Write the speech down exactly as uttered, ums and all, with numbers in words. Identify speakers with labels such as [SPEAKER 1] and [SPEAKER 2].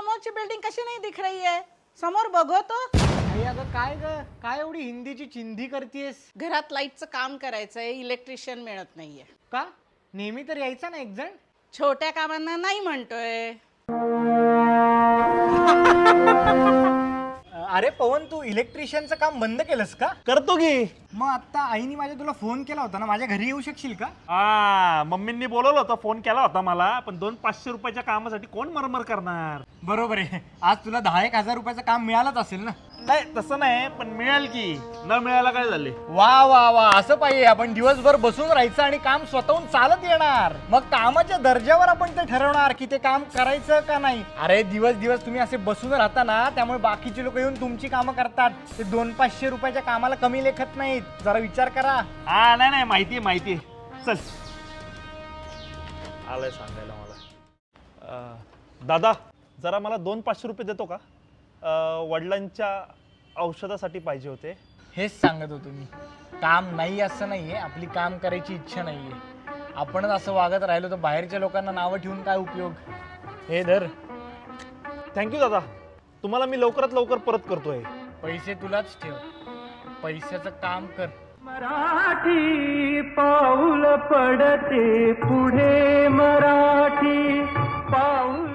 [SPEAKER 1] समोरची बिल्डिंग कशी नाही दिख रही है? समोर बघो तो.
[SPEAKER 2] आई अगं काय ग, काय एवढी हिंदीची चिंधी करतेस?
[SPEAKER 1] घरात लाईटचं काम करायचंय, इलेक्ट्रिशियन मिळत नाहीये.
[SPEAKER 2] का? नेहमी तर यायचा ना एक जण.
[SPEAKER 1] छोट्या कामांना नाही म्हणतोय.
[SPEAKER 2] अरे पवन, तू इलेक्ट्रिशियनचं काम बंद केलंस का?
[SPEAKER 3] करतो की.
[SPEAKER 2] मग आता आईने माझ्या तुला फोन केला होता ना, माझ्या घरी येऊ शकशील का?
[SPEAKER 3] हा, मम्मींनी बोलवलं होतं, फोन केला होता मला, पण दोन पाचशे रुपयाच्या कामासाठी कोण मरमर करणार?
[SPEAKER 2] बरोबर आहे, आज तुला दहा एक हजार रुपयाचं काम मिळालंच असेल ना.
[SPEAKER 3] नाही तसं नाही, पण मिळेल की. न मिळायला काय झाले?
[SPEAKER 2] वा वा वा, असं पाहिजे. आपण दिवसभर बसून राहायचं आणि काम स्वतःहून चालत येणार. मग कामाच्या दर्जावर आपण ते ठरवणार की ते काम करायचं का नाही. अरे दिवस दिवस तुम्ही असे बसून राहता ना, त्यामुळे बाकीचे लोक येऊन तुमची कामं करतात. ते दोन पाचशे रुपयाच्या कामाला कमी लेखत नाहीत. जरा विचार करा.
[SPEAKER 3] हा नाही नाही, माहिती माहिती. चल, आलंय सांगायला मला. अं, दादा जरा मला दोन पाचशे रुपये देतो का? अं, वडिलांच्या औषधासाठी पाहिजे होते.
[SPEAKER 2] हेच सांगत होतो मी. काम नाही असं नाहीये, आपली काम करायची इच्छा नाहीये. आपणच असं वागत राहिलो तर बाहेरच्या लोकांना नावं ठेवून काय उपयोग. हे धर.
[SPEAKER 3] थँक्यू दादा, तुम्हाला मी लवकरात लवकर परत करतोय.
[SPEAKER 2] पैसे तुलाच ठेव, पैशाचं काम कर.
[SPEAKER 4] मराठी पाऊल पडते पुढे, मराठी पाऊल